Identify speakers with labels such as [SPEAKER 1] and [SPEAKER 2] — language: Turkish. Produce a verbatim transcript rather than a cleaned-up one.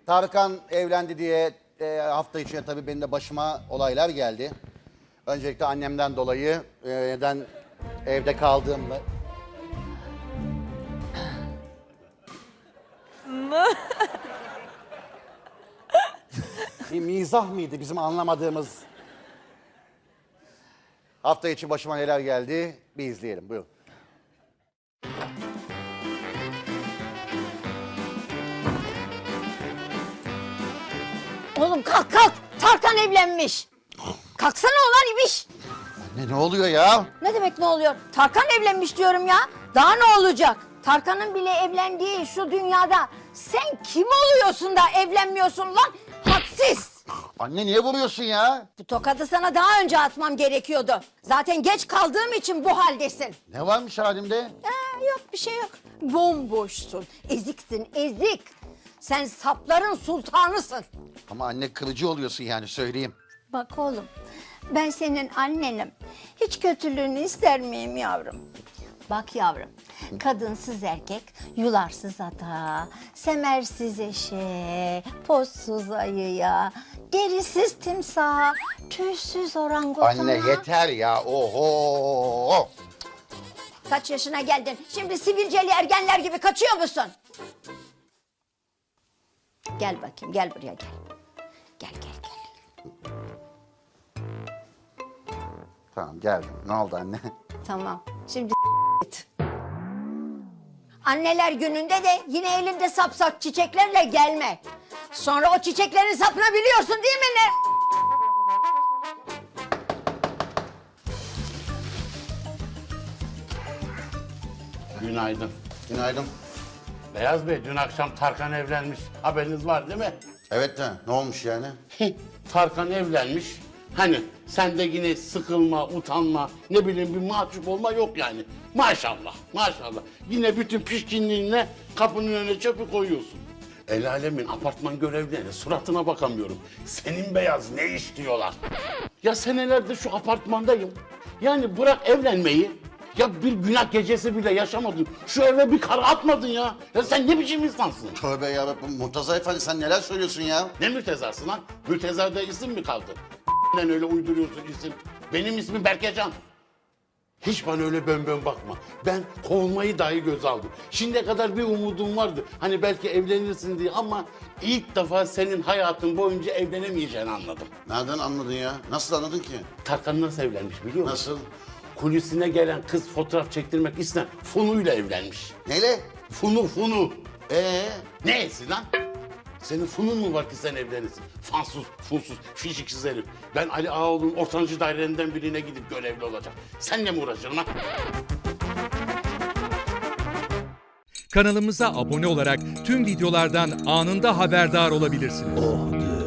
[SPEAKER 1] Tarkan evlendi diye e, hafta içinde tabii benim de başıma olaylar geldi. Öncelikle annemden dolayı e, neden evde kaldığımda... Bir mizah mıydı bizim anlamadığımız? Hafta içi başıma neler geldi bir izleyelim, buyurun.
[SPEAKER 2] Oğlum kalk kalk. Tarkan evlenmiş. Kalksana ulan ibiş.
[SPEAKER 1] Ne, ne oluyor ya?
[SPEAKER 2] Ne demek ne oluyor? Tarkan evlenmiş diyorum ya. Daha ne olacak? Tarkan'ın bile evlendiği şu dünyada sen kim oluyorsun da evlenmiyorsun lan? Hadsiz.
[SPEAKER 1] Anne niye vuruyorsun ya?
[SPEAKER 2] Bu tokadı sana daha önce atmam gerekiyordu. Zaten geç kaldığım için bu haldesin.
[SPEAKER 1] Ne varmış halimde?
[SPEAKER 2] Ee, yok bir şey yok. Bomboşsun, eziksin, ezik. Sen sapların sultanısın.
[SPEAKER 1] Ama anne kırıcı oluyorsun yani söyleyeyim.
[SPEAKER 2] Bak oğlum, ben senin annenim. Hiç kötülüğünü ister miyim yavrum? Bak yavrum, kadınsız erkek, yularsız ata, semersiz eşe, pozsuz ayıya, derisiz timsaha, tüysüz orangutana.
[SPEAKER 1] Anne yeter ya, oho.
[SPEAKER 2] Kaç yaşına geldin? Şimdi sivilceli ergenler gibi kaçıyor musun? Gel bakayım, gel buraya gel. Gel, gel, gel.
[SPEAKER 1] Tamam geldim. Ne oldu anne?
[SPEAKER 2] Tamam, şimdi git. Anneler gününde de yine elinde sapsak çiçeklerle gelme. Sonra o çiçeklerin sapını biliyorsun değil mi ne?
[SPEAKER 3] Günaydın.
[SPEAKER 1] Günaydın.
[SPEAKER 3] Beyaz Bey, dün akşam Tarkan evlenmiş. Haberiniz var değil mi?
[SPEAKER 1] Evet de ne olmuş yani?
[SPEAKER 3] Tarkan evlenmiş. Hani sende yine sıkılma, utanma, ne bileyim bir mahcup olma yok yani. Maşallah, maşallah. Yine bütün pişkinliğinle kapının önüne çöpü koyuyorsun. El alemin apartman görevlilerine suratına bakamıyorum. Senin Beyaz ne iş diyorlar. Ya senelerdir şu apartmandayım. Yani bırak evlenmeyi. Ya bir günah gecesi bile yaşamadın. Şu eve bir kara atmadın ya. Ya sen ne biçim insansın?
[SPEAKER 1] Tövbe yarabbim Murtaza Efendi sen neler söylüyorsun ya?
[SPEAKER 3] Ne mürtezası lan? Mürtezada isim mi kaldı? Sen öyle uyduruyorsun isim. Benim ismim Berkecan. Hiç bana öyle bön bön bakma. Ben kovulmayı dahi göze aldım. Şimdiye kadar bir umudum vardı. Hani belki evlenirsin diye ama ilk defa senin hayatın boyunca evlenemeyeceğini anladım.
[SPEAKER 1] Nereden anladın ya? Nasıl anladın ki?
[SPEAKER 3] Tarkan nasıl evlenmiş biliyor musun?
[SPEAKER 1] Nasıl?
[SPEAKER 3] Kulisine gelen kız fotoğraf çektirmek isteyen Funu'yla evlenmiş.
[SPEAKER 1] Neyle?
[SPEAKER 3] Funu Funu.
[SPEAKER 1] Ee?
[SPEAKER 3] Neyesi lan? Senin funun mu var ki sen evlenirsin? Fansuz, funsuz, fişiksiz herif. Ben Ali Ağaoğlu'nun ortancı dairelerinden birine gidip görevli olacağım. Senle mi uğraşırım ha?
[SPEAKER 4] Kanalımıza abone olarak tüm videolardan anında haberdar olabilirsiniz.